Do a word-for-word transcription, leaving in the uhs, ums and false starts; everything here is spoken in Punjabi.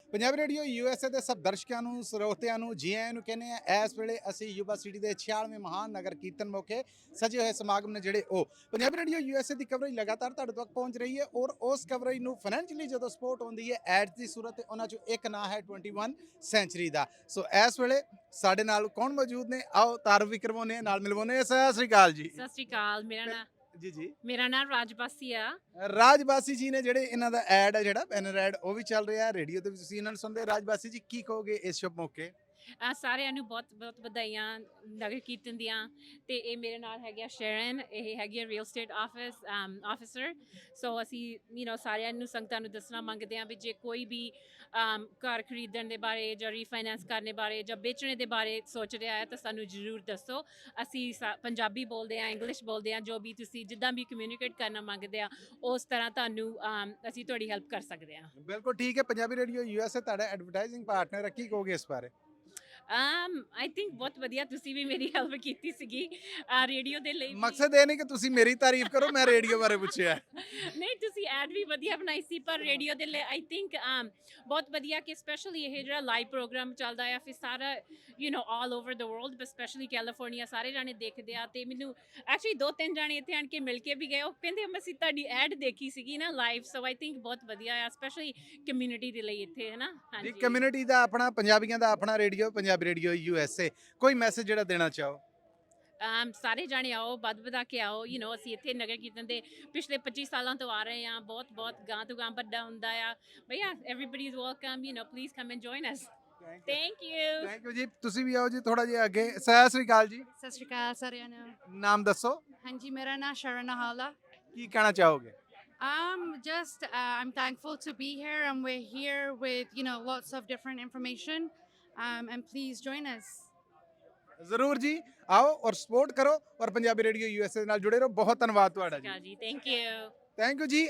ਪੰਜਾਬੀ ਰੇਡੀਓ ਯੂਐਸਏ ਦੇ ਸਭ ਦਰਸ਼ਕਾਂ ਨੂੰ ਸਰੋਤਿਆਂ ਨੂੰ ਜੀ ਆਇਆਂ ਨੂੰ ਕਹਿੰਦੇ ਆ। ਇਸ ਵੇਲੇ ਅਸੀਂ ਯੂਬਾ ਸਿਟੀ ਦੇ ਛਿਆਲਵੇਂ ਮਹਾਨ ਨਗਰ ਕੀਰਤਨ ਮੌਕੇ ਸਜੇ ਹੋਏ ਸਮਾਗਮ ਨੇ ਜਿਹੜੇ ਉਹ ਪੰਜਾਬੀ ਰੇਡੀਓ ਯੂਐਸਏ ਦੀ ਕਵਰੇਜ ਲਗਾਤਾਰ ਤੁਹਾਡੇ ਤੱਕ ਪਹੁੰਚ ਰਹੀ ਹੈ ਔਰ ਉਸ ਕਵਰੇਜ ਨੂੰ ਫਾਈਨੈਂਸ਼ੀਅਲੀ ਜਦੋਂ ਸਪੋਰਟ ਹੁੰਦੀ ਹੈ ਐਡਸ ਦੀ ਸੂਰਤ ਤੇ ਉਹਨਾਂ ਚੋਂ ਇੱਕ ਨਾਂ ਹੈ ਇਕੱਤੀ ਸੈਂਚਰੀ ਦਾ। ਸੋ ਇਸ ਵੇਲੇ ਸਾਡੇ ਨਾਲ ਕੌਣ ਮੌਜੂਦ ਨੇ, ਆਓ ਤਾਰਫ ਵੀ ਕਰਵਾਉਂਦੇ ਨਾਲ ਮਿਲਵਾਉਂਦੇ। ਸਤਿ ਸ੍ਰੀ ਅਕਾਲ ਜੀ। ਸਤਿ ਸ਼੍ਰੀ ਅਕਾਲ। ਮੇਰਾ ਨਾਂ ਜੀ ਜੀ ਮੇਰਾ ਨਾਂ ਰਾਜਬਾਸੀ ਆ। ਰਾਜਬਾਸੀ ਜੀ ਨੇ ਜਿਹੜੇ ਇਹਨਾਂ ਦਾ ਐਡ ਹੈ ਜਿਹੜਾ ਬੈਨਰ ਐਡ ਉਹ ਵੀ ਚੱਲ ਰਿਹਾ ਰੇਡੀਓ ਤੇ ਵੀ ਤੁਸੀਂ ਇਹਨਾਂ ਨੂੰ ਸੁਣਦੇ। ਰਾਜਬਾਸੀ ਜੀ ਕੀ ਕਹੋਗੇ ਇਸ ਸ਼ੁਭ ਮੌਕੇ? ਅਹ ਸਾਰਿਆਂ ਨੂੰ ਬਹੁਤ ਬਹੁਤ ਵਧਾਈਆਂ ਨਗਰ ਕੀਰਤਨ ਦੀਆਂ। ਤੇ ਇਹ ਮੇਰੇ ਨਾਲ ਹੈਗੇ ਆ ਸ਼ਰਨ, ਇਹ ਹੈਗੀ ਆ real estate office officer. So ਅਸੀਂ ਯੂ نو ਸਾਰਿਆਂ ਨੂੰ ਸੰਗਤਾਂ ਨੂੰ ਦੱਸਣਾ ਮੰਗਦੇ ਹਾਂ ਵੀ ਜੇ ਕੋਈ ਵੀ um, ਘਰ ਖਰੀਦਣ ਦੇ ਬਾਰੇ ਜਾਂ ਰੀਫਾਈਨੈਂਸ ਕਰਨ ਬਾਰੇ ਜਾਂ ਵੇਚਣੇ ਦੇ ਬਾਰੇ ਸੋਚ ਰਿਹਾ ਹੈ ਤਾਂ ਸਾਨੂੰ ਜ਼ਰੂਰ ਦੱਸੋ। ਅਸੀਂ ਸਾ- ਪੰਜਾਬੀ ਬੋਲਦੇ ਹਾਂ, ਇੰਗਲਿਸ਼ ਬੋਲਦੇ ਹਾਂ, ਜੋ ਵੀ ਤੁਸੀਂ ਜਿੱਦਾਂ ਵੀ ਕਮਿਊਨੀਕੇਟ ਕਰਨਾ ਮੰਗਦੇ ਆ ਉਸ ਤਰ੍ਹਾਂ ਤੁਹਾਨੂੰ um, ਅਸੀਂ ਤੁਹਾਡੀ ਹੈਲਪ ਕਰ ਸਕਦੇ ਹਾਂ। ਬਿਲਕੁਲ ਠੀਕ ਹੈ। ਪੰਜਾਬੀ ਰੇਡੀਓ ਯੂਐਸਏ ਤੁਹਾਡਾ ਐਡਵਰਟਾਈਜ਼ਿੰਗ ਪਾਰਟਨਰ ਹੈ, ਕੀ ਕਹੋਗੇ ਇਸ ਬਾਰੇ? um I think ਬਹੁਤ ਵਧੀਆ, ਤੁਸੀਂ ਵੀ ਮੇਰੀ ਹੈਲਪ ਕੀਤੀ ਸੀਗੀ ਰੇਡੀਓ ਦੇ ਲਈ ਵੀ। ਮਕਸਦ ਇਹ ਨਹੀਂ ਕਿ ਤੁਸੀਂ ਮੇਰੀ ਤਾਰੀਫ ਕਰੋ, ਮੈਂ ਰੇਡੀਓ ਬਾਰੇ ਪੁੱਛਿਆ। ਨਹੀਂ, ਤੁਸੀਂ ਐਡ ਵੀ ਵਧੀਆ ਬਣਾਈ ਸੀ ਪਰ ਰੇਡੀਓ ਦੇ ਲਈ ਆਈ ਥਿੰਕ ਬਹੁਤ ਵਧੀਆ ਕਿ ਸਪੈਸ਼ਲੀ ਇਹ ਜਿਹੜਾ ਲਾਈਵ ਪ੍ਰੋਗਰਾਮ ਚੱਲਦਾ ਆ ਫਿਰ ਸਾਰਾ you know all over the world but specially California ਸਾਰੇ ਜਾਣੇ ਦੇਖਦੇ ਆ। ਤੇ ਮੈਨੂੰ ਐਕਚੁਅਲੀ ਦੋ ਤਿੰਨ ਜਾਣੇ ਇੱਥੇ ਆਣ ਕੇ ਮਿਲ ਕੇ ਵੀ ਗਏ, ਉਹ ਕਹਿੰਦੇ ਅਸੀਂ ਤੁਹਾਡੀ ਐਡ ਦੇਖੀ ਸੀਗੀ ਨਾ ਲਾਈਵ। ਸੋ ਆਈ ਥਿੰਕ ਬਹੁਤ ਵਧੀਆ ਆ ਸਪੈਸ਼ਲੀ ਕਮਿਊਨਿਟੀ ਦੇ ਲਈ ਇੱਥੇ, ਹੈ ਨਾ। ਜੀ ਹਾਂਜੀ, ਕਮਿਊਨਿਟੀ ਦਾ ਆਪਣਾ, ਪੰਜਾਬੀਆਂ ਦਾ ਆਪਣਾ ਰੇਡੀਓ ਪੰਜਾਬੀ ਰੇਡੀਓ ਯੂਐਸਏ, ਕੋਈ ਮੈਸੇਜ ਜਿਹੜਾ ਦੇਣਾ ਚਾਹੋ? um, ਸਾਰੇ ਜਾਣੇ ਆਓ, ਵੱਧ ਵਧਾ ਕੇ ਆਓ। ਯੂ نو ਅਸੀਂ ਇੱਥੇ ਨਗਰ ਕੀਰਤਨ ਦੇ ਪਿਛਲੇ ਪੱਚੀ ਸਾਲਾਂ ਤੋਂ ਆ ਰਹੇ ਹਾਂ, ਬਹੁਤ ਬਹੁਤ ਗਾਂ ਤੋਂ ਗਾਂ ਵੱਡਾ ਹੁੰਦਾ ਆ। ਭਈਆ everybody is welcome, you know please come and join us. Thank you. Thank you ji. ਤੁਸੀਂ ਵੀ ਆਓ ਜੀ ਥੋੜਾ ਜਿਹਾ ਅੱਗੇ। ਸਤਿ ਸ੍ਰੀ ਅਕਾਲ ਜੀ। ਸਤਿ ਸ਼੍ਰੀ ਅਕਾਲ ਸਾਰਿਆਂ ਨੂੰ। ਨਾਮ ਦੱਸੋ, ਹਾਂਜੀ, ਮੇਰਾ ਨਾਮ ਸ਼ਰਨ ਹਾਲਾ। ਕੀ ਕਹਿਣਾ ਚਾਹੋਗੇ? Um, just uh, I'm thankful to be here, and we're here with you know lots of different information. Um, and please join us. ਜ਼ਰੂਰ ਜੀ, ਆਓ ਔਰ ਸਪੋਰਟ ਕਰੋ ਔਰ ਪੰਜਾਬੀ ਰੇਡੀਓ ਯੂਐਸਏ ਨਾਲ ਜੁੜੇ ਰਹੋ। ਬਹੁਤ ਧੰਨਵਾਦ ਤੁਹਾਡਾ ਜੀ। ਜੀ ਥੈਂਕ ਯੂ। ਥੈਂਕ ਯੂ ਜੀ।